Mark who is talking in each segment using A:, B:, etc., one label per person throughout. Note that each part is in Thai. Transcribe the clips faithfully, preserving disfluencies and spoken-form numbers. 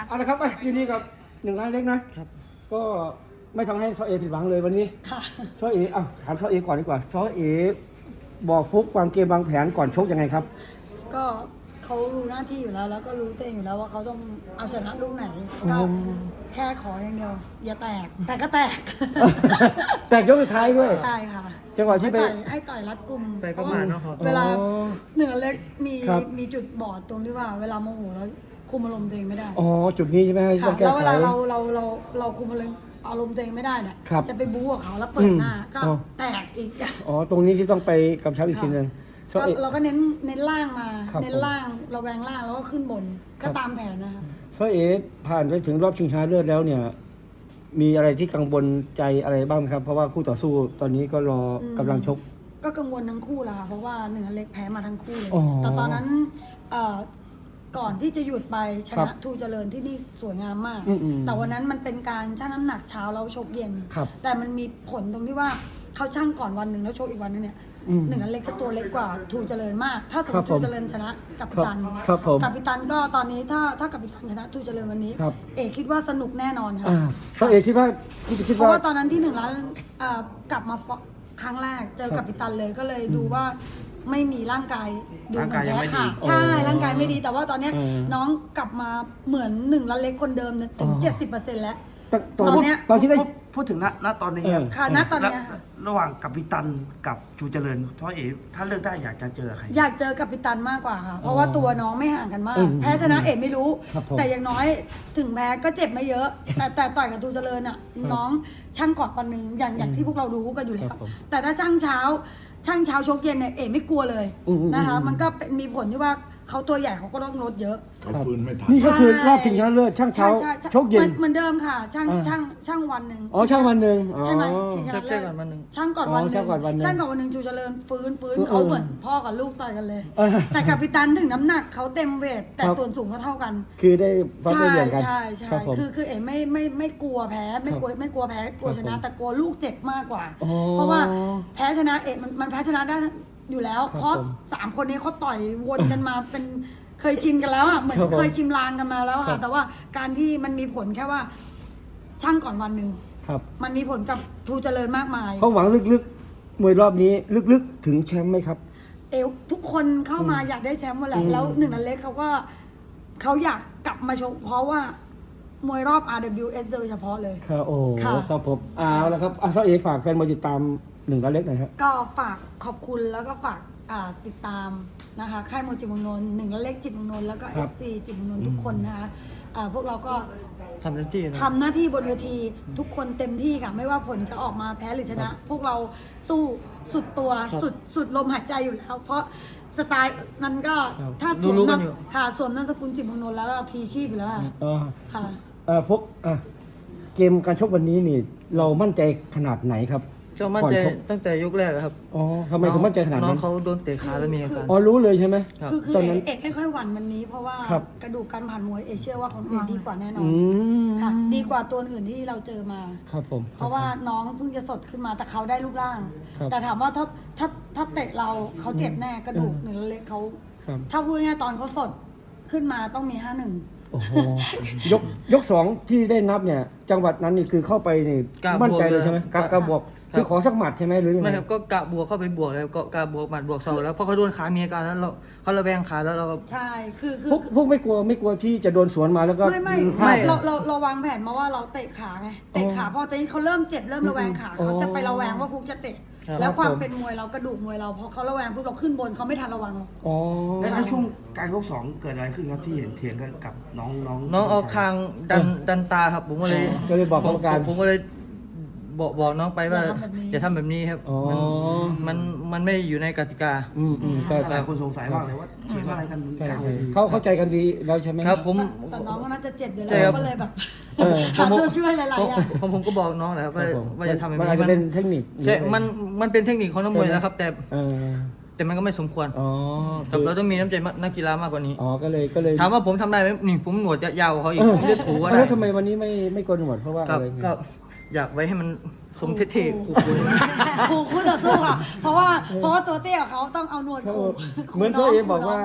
A: เอาละครับยินดีกับหนึ่งล้านเล็กนะครับก็ไม่ทำให้ซอเอผิดหวังเลยวันนี้
B: ค่ะ
A: ซอเออ่ะถามซอเอก่อนดีกว่าซอเอบอกฟุกวางเกมวางแผนก่อนชกยังไงครับ
B: ก็เขารู้หน้าที่อยู่แล้ว แล้วก็รู้ตัวเองอยู่แล้วว่าเขาต้องเอาชนะลูกไหน ก็แค่ขออย่างเดียว อย่าแตก แต่ก็แตก
A: แตกยกสุดท้ายด้วย
B: ใช่ค่ะ
A: จังหวะที่ไป
B: ให้ต่อยให้ต่อยรัดกุม
C: ไปประมาณเนอะครับ
B: เวลา
A: อ๋อ
B: หนึ่งอันเล็กมี
A: ครับ
B: มีจุดบอดตรงที่ว่าเวลาโมโหแล้วคุมอารมณ์ตัวเองไม่ได้
A: อ๋อจุดนี้ใช่ไหมที่ต้
B: ค่ะ
A: องแก้
B: แล้ว
A: ไข
B: เวลาเราเราเราเราคุมอารมณ์อารมณ์ตัวเองไม่ได้เนี่ย
A: ครับ
B: จะไปบู๊กับเขาแล้วเปิดหน้า
A: อืม
B: ก็
A: อ๋อ
B: แตกอีก
A: อ๋อตรงนี้ที่ต้องไปกำชับอีกทีหนึงซอ
B: ก็
A: เอ
B: เราก็เน้นเน้นล่างมา
A: ครับ
B: เน้นล่างระแวงล่างแล้วก็ขึ้นบน ก็ตามแผนนะคะ
A: ซอเอผ่านไปถึงรอบชิงชนะเลิศแล้วเนี่ย มีอะไรที่กังวลใจอะไรบ้างครับ เพราะว่าคู่ต่อสู้ตอนนี้ก็รอกำลังชก
B: ก็กังวลทั้งคู่แหละค่ะเพราะว่าหนึ่งอันเล็กแพ้มาทั้งคู่เลย
A: อ๋อ
B: แต่ตอนนั้นเอ่อก่อนที่จะหยุดไปช
A: ครั
B: นะ
A: บ
B: ทูเจริญที่นี่สวยงามมาก
A: อืมอืม
B: แต่วันนั้นมันเป็นการชั่งน้ำหนักเช้าแล้วชกเย็น
A: ครับ
B: แต่มันมีผลตรงที่ว่าเขาชั่งก่อนวันหนึ่งแล้วชกอีกวันนึงเนี่ย
A: อืม
B: หนึ่งอันเล็กก็ตัวเล็กกว่าทูเจริญมาก ถ้าสมม
A: ครับ
B: ติ
A: ผม
B: ทูเจริญชนะกับปิตัน
A: ครับผม
B: กับปิตันก็ตอนนี้ถ้าถ้ากับปิตันชนะทูเจริญวันนี้
A: ครับ
B: เอกคิดว่าสนุกแน่นอนค่ะ
A: อ่าซอเอคิดว่าคิดคิด
B: เพราะ
A: ว่า
B: ว่าตอนนั้นที่หนึ่งล้านเอ่อกลับมาฟครั้งแรกเจอกับปิตันเลยก็เลยดูว่าไม่มีร่างกายดูเหมือนแพ้ค่ะใช่ร่างกายไม่ดีแต่ว่าตอนเนี้ย
A: อืม น้
B: น้องกลับมาเหมือนหนึ่งล้านเล็กคนเดิมเนี่ยถึง
A: อ๋อ
B: เจ็ดสิบเปอร์เซ็นต์แล้ว
A: ตอน
B: ตอนเนี้ย
A: ตอนที่ได้
D: พูดพูดถึงณณตอนนี้
A: เออ
B: ค่ะณตอนเนี้ยค่ะ
D: ระหว่างกัปตันกับชูเจริญเพราะเอ๋ถ้าเลือกได้อยากจะเจอใคร
B: อยากเจอกับปิตันมากกว่าค่ะ เพราะว่าตัวน้องไม่ห่างกันมาก
A: อืม
B: แพ้ชนะเอกไม่รู้
A: ครับผม
B: แต่อย่างน้อยถึงแพ้ก็เจ็บไม่เยอะ แต่แต่ต่อยกับทูเจริญอ่ะน้องช่างกอดปันหนึ่งอย่างอย่างที่พวกเรารู้กันอยู่แล้
A: ครั
B: ว
A: บผม
B: แต่ถ้าช่างเช้า ช่างเช้าชกเย็นเนี่ยเอกไม่กลัวเลย
A: อืมอืม
B: นะคะ
A: อืม
B: มันก็เป็นมีผลที่ว่าเขาตัวใหญ่เขาก็ต้องลดเยอะ
E: เขาฟื้นไม่ทัน
A: นี่ก็คือรอบชิงชนะเลิศช่างเช้า
B: ใช่ใช่
A: ชกเย็น
B: หมือเหมือนเดิมค่ะ ช่าง
A: อ่า
B: ช่างช่างวันหนึ่ง
A: อ๋อช่างวันหนึ่งอ๋อ
B: ใช่ไหมชิงชนะ
C: เจ
B: เลิ
C: อ
B: ศ
C: กันวันหนึ่ง
B: ช่างก่อนวันหนึ่ง
A: อ๋อช่างก่อนวันหนึ่ง
B: ช่างก่อนวันหนึ่งจูเจริญฟื้นฟื้น
A: เออ
B: เขาเหมือนพ่อกับลูกต่อยกันเลย
A: เออ
B: แต่กับปิตันถึงน้ำหนักเขาเต็มเวทแต่
A: ครับ
B: ส่วนสูงเขาเท่ากัน
A: คือได้ฟัด
B: ใช่
A: ได้เหวี่ยงกัน
B: ใช่ใช่
A: ครับผม
B: คือคือเอ๋ไม่ไม่ไม่กลัวแพ้ไม่กลัวไม่กลัวแพ้กลัวชนะ
A: ครับผม
B: แต่กลัวลูกเจ็บมากกว่า
A: อ๋อ
B: เพราะว่าแพ้ชนะเอ๋มันมันแพ้ชนะได้อยู่แล้ว
A: ครับ
B: เพราะ
A: ผม
B: สามคนนี้เขาต่อยวนกันมาเป็นเคยชินกันแล้วอ่ะเหมือน
A: ครับผม
B: เคยชิมลางกันมาแล้ว
A: ครั
B: ค่ะ
A: บ
B: แต่ว่าการที่มันมีผลแค่ว่า ช่างก่อนวันหนึ่ง
A: ครับ
B: มันมีผลกับทูเจริญมากมาย
A: เขาหวังลึกๆมวยรอบนี้ลึกๆถึงแชมป์ไหมครับ
B: เอวทุกคนเข้ามาอยากได้แชมป์หมดแหละ
A: อืม
B: แล้วหนึ่งนันเล็กเขาก็เขาอยากกลับมาชกเพราะว่ามวยรอบ อาร์ ดับเบิลยู เอส โดยเฉพาะเลย
A: ครับโอ้
B: ค่ะ
A: ครับผมเอาละครับอาซาเอฝากแฟนมวยติดตามหนึ่งล้านเล็กหน่อยครับ
B: ก็ฝากขอบคุณแล้วก็ฝากอ่าติดตามนะคะค่ายมวยจิตรเมืองนนท์หนึ่งนันเล็กจิตรเมืองนนท์แล้วก็
A: ค
B: เอ
A: รับ
B: ฟซีจิตรเมืองนนท์ทุกคนนะคะอ่าพวกเราก็
C: ทำเต็มที่นะ
B: ทำหน้าที่บนเวทีทุกคนเต็มที่ค่ะ ไม่ว่าผลจะออกมาแพ้หรือชนะ พวกเราสู้สุดตัว
A: ครับ
B: สุดสุดลมหายใจอยู่แล้ว เพราะสไตล์นั้นก็
A: ครับ
B: ถ้าสวม
C: รู้ๆกัน
B: นาม
C: อยู่
B: ค่ะสวมนามสกุลจิตรเมืองนนท์แล้วก็พีชีพอยู่แล้วค่ะ
A: อ๋อ
B: ค่ะ
A: เอ่อพวกอ่ะเกมการชกวันนี้นี่ เรามั่นใจขนาดไหนครับ
C: ก็มั่น
A: ก่อน
C: ใจ
A: ชก
C: ตั้งแต่ยกแรกอะครับ
A: อ๋อทำไมถึงมั่นใจขนาด
C: น้อ
A: นั้
C: ง
A: น
C: เขาโดนเตะขาแล้วมีอาการ
A: อ๋อรู้เลยใช่ไหม
C: ครับ
B: คือคือ
A: ตอน
B: เอ
A: นั้น
B: กเอกไม่ค่อยหวั่นวันนี้ เพราะว่า
A: ครับ
B: กระดูกการผ่านมวยเอกเชื่อว่าของเอกดีกว่าแน่นอ
A: อื
B: น
A: ม
B: ค่ะ ดีกว่าตัวอื่นที่เราเจอมา
A: ครับผม
B: เพราะว่าน้องเพิ่งจะสดขึ้นมาแต่เขาได้รูปร่าง
A: ครับ
B: แต่ถามว่าถ้าถ้าถ้าเตะเราเขาเจ็บแน่กระดูกหนึ่งเล็กเขา
A: ครับ
B: ถ้าพูดง่ายๆตอนเขาสดขึ้นมาต้องมีห้าหนึ่ง
A: โอ้โหยกยกสองที่ได้นับเนี่ย จังหวัดนั้นนี่คือเข้าไปนี่
C: กล้าบวก
A: มั่นใจเลยใช่ไหม
C: เลย
A: กล้ากล้าบวก
C: ครับ
A: คือขอสักหมัดใช่ไหมหรือยังไง
C: ไม่ครับก็กะบวกเข้าไปบวกเลยก็กะบวกหมัดบวกเสาแล้วเพราะเขาโดนขามีอาการแล้วเราเขาระแวงขาแล้วเรา
B: ใช่คือคือ
A: พวกพวกไม่กลัวไม่กลัวที่จะโดนสวนมาแล้วก็
B: ไม่ไม่
A: พลา
B: ไม่
A: ด
B: เราเราเราวางแผนมาว่าเราเตะขาไงเตะขาพอตอนนี้เขาเริ่มเจ็บเริ่มระแวงขา
A: อ๋อ
B: เขาจะไประแวงว่าฟุกจะเตะ
C: ครับ
B: แล้วความ
A: ผม
B: เป็นมวยเรากระดูกมวยเราพอเขาระแวงปุ๊บเราขึ้นบนเขาไม่ทันระวังหรอก
A: อ๋อ
D: และในช่วงการยกสองเกิดอะไรขึ้นครับที่เห็นเถียงกันกับน้องน้อง
C: น้องเอาคางดันดันตาครับผมก็เลย
A: ก็เลยบอกกรรมการ
C: ผมผมก็เลยบอกบอกน้องไปว่า
B: อย่าทำแบบนี้
C: อย่าทำแบบนี้ครับ
A: อ๋อ
C: มันมันมันไม่อยู่ในกติกา
A: อืมอืมแต่
D: หลายคนสงสัยมากเลยว่าเถียงอะไรกัน
A: ใช่
D: กลางเวที
A: เขาเข้าใจกันดีแล้วใช่ไหม
C: ครับผม
B: แต่แต่น้องก็น่าจะเจ็บอยู่
C: ใช่
B: แล้ว
C: ครับ
B: ก็เลยแบบ
A: เออ
B: หาตัวช่วยหลายๆอย่าง
C: ผมผมก็บอกน้องแหละครับ
A: ครั
C: ว่า
A: บผม
C: ว่าจะทำแบบ
A: มัน
C: นี้
A: อาจจะเป็นเทคนิค
C: ใช่มันมันเป็นเทคนิคของนักมวย
A: ใช่ไหม
C: แล้วครับ แต่
A: เออ
C: แต่มันก็ไม่สมควร
A: อ๋อ
C: ครับเราต้องมีน้ำใจนักกีฬามากกว่านี้
A: อ๋อก็เลยก็เลย
C: ถามว่าผมทำได้ไหมนี่ผมหนวดยาวกว่าเขาอีก
A: เออ
C: ผมเลือดถูก็ได้
A: แล้วทำไมวันนี้ไม่ไม่โกนหนวดเพราะว่า
C: ครั
A: อะ
C: บ
A: ไร
C: ก็อยากไว้ให้มันสมเท่ๆคูล
B: ครูคู่ต่อสู้ค่ะ เพราะว่าเพราะว่าตัวเตี้ยเขาต้องเอาหนวด
A: เขา
B: ขู่
A: เหมือนโซเอบอกว่า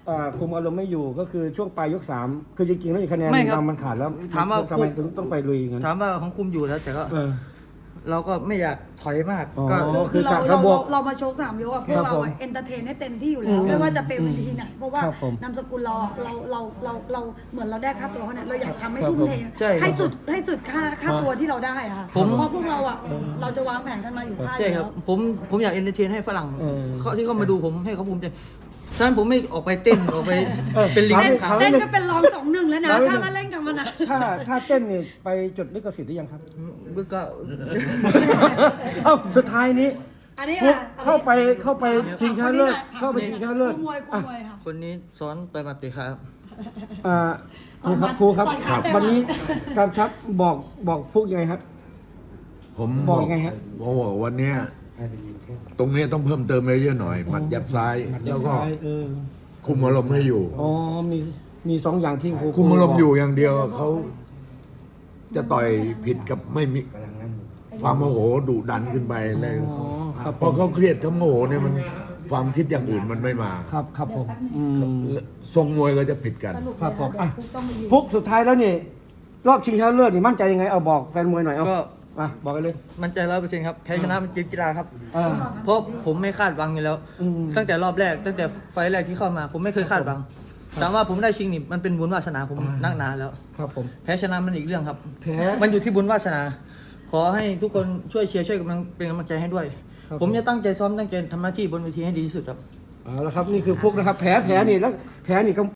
A: อ่าคุมอารมณ์ไม่อยู่ก็คือช่วงปลายยกสามคือจริงๆแล้วอีกคะแนน
C: ไม่ครับ
A: นำมันขาดแล้ว
C: ถามว่า
A: ทำไมถึงต้องไปลุยอย่างนั้น
C: ถามว่าของคุมอยู่แล้วแต่ก็
A: เออ
C: เราก็ไม่อยากถอยมาก
A: อ๋อ
C: ก็
B: คือ
A: คื
B: คือ อเรา
A: จาก
B: เรา
A: ระบบ
B: เราเรามาโชว์สามยกอะพว
A: ครั
B: ก
A: บ
B: เรา
A: ผม
B: เอนเตอร์เทนให้เต็มที่อยู่
A: อื
B: แล้ว
A: ม
B: ไม่ว่าจะเป็นเวทีไหน เพราะว่า
A: ครับผม
B: นามสกุลเราอะเราเราเราเราเหมือนเราได้ค่าตัวเขาเนี่ยเราอยากทำให้
A: ครับ
B: ทุ่มเท
C: ใช่ครับ
B: ให้สุดให้สุดค่าค่าตัวที่เราได้อะค่ะ
C: ผม
B: เพราะว่าพวกเราอะเราจะวางแผนกันมาอยู่ค่ายอ
C: ใช่
B: ยู่
C: ครั
B: แล้
C: บ
B: ว
C: ผมผมอยากเอนเตอร์เทนให้ฝรั่ง
A: เออ
C: เขาที่เขามาดูผมให้เขาภูมิใจฉะนั้นผมไม่ออกไปเต้นออกไป
A: เออ
C: เป็นลิง
B: เต้น
C: ขา
A: ครั
B: เต้นก็เป็นรองสองหนึ่งแล้วนะ
A: แล้ว
B: ถ้าเราเล่นกันมานะ
A: ถ้าถ้าเต้นนี่ไปจดลิขสิทธิ์หรือยังครับ
C: ก็
A: เอ้าสุดท้ายนี้
B: อันนี้
A: ฟุก
B: อะ
A: เข้าไปเข้าไปชิงชนะเลิศ
B: ค่ะ
A: เข้าไปชิงชนะเลิศ
B: คู่มวยคู่
A: อ่ะ
B: มวยค่ะ
C: คนนี้สอนต่อยหมัดเตะขาครับ
A: อ่าครูครับครูครับ
B: ต่อยขาเต็ม
A: วันนี้
B: อะ
A: กำชับบอกบอกฟุกยังไงครับ
E: ผม
A: บอกยังไงฮะ
E: ผมบอกวันเนี้ยตรงเนี้ยต้องเพิ่มเติมเยอะๆหน่อยหมัดยับซ้าย แล้วก็
A: เออ
E: คุมอารมณ์ให้อยู่
A: อ๋อมีมีสองอย่างที่ครู
E: คุมอารมณ์อยู่อย่างเดียวเขาจะต่อยผิดกับไม่มีความโมโหดุดันขึ้นไปอะไร
A: อ๋อครับ
E: พอเขาเครียดเขาโมโหเนี่ยมันความคิดอย่างอื่นมันไม่มา
A: ครับครับผมอืม
E: ทรงมวยก็จะผิดกัน
B: สรุป
A: ครับผมอ่ะ
B: ฟุกต้องมายืน
A: ฟุกสุดท้ายแล้วนี่รอบชิงชนะเลิศนี่มั่นใจยังไงเอาบอกแฟนมวยหน่อยเอา
C: ก็
A: อ่ะบอกกันเลย
C: มั่นใจร้อยเปอร์เซ็นต์ครับแพ้ชนะมันเกมกีฬาครับ
A: อ่า
C: เพราะผมไม่คาดหวังอยู่แล้ว
A: อืม
C: ตั้งแต่รอบแรก ตั้งแต่ไฟล์แรกที่เข้ามา ผมไม่เคยคาดหวังถามว่าผมได้ชิงนี่มันเป็นบุญวาสนาผมนักหนาแล้ว
A: ครับผม
C: แพ้ชนะมันอีกเรื่องครับ
A: แพ้
C: มันอยู่ที่บุญวาสนา ขอให้ทุกคนช่วยเชียร์ช่วยกำลังเป็นกำลังใจให้ด้วย
A: ครับ
C: ผมจะตั้งใจซ้อมตั้งใจทำหน้าที่บนเวทีให้ดีที่สุดครับ
A: เอาละครับนี่คือฟุกนะครับแผลแผลนี่แล้วแผลนี่ก็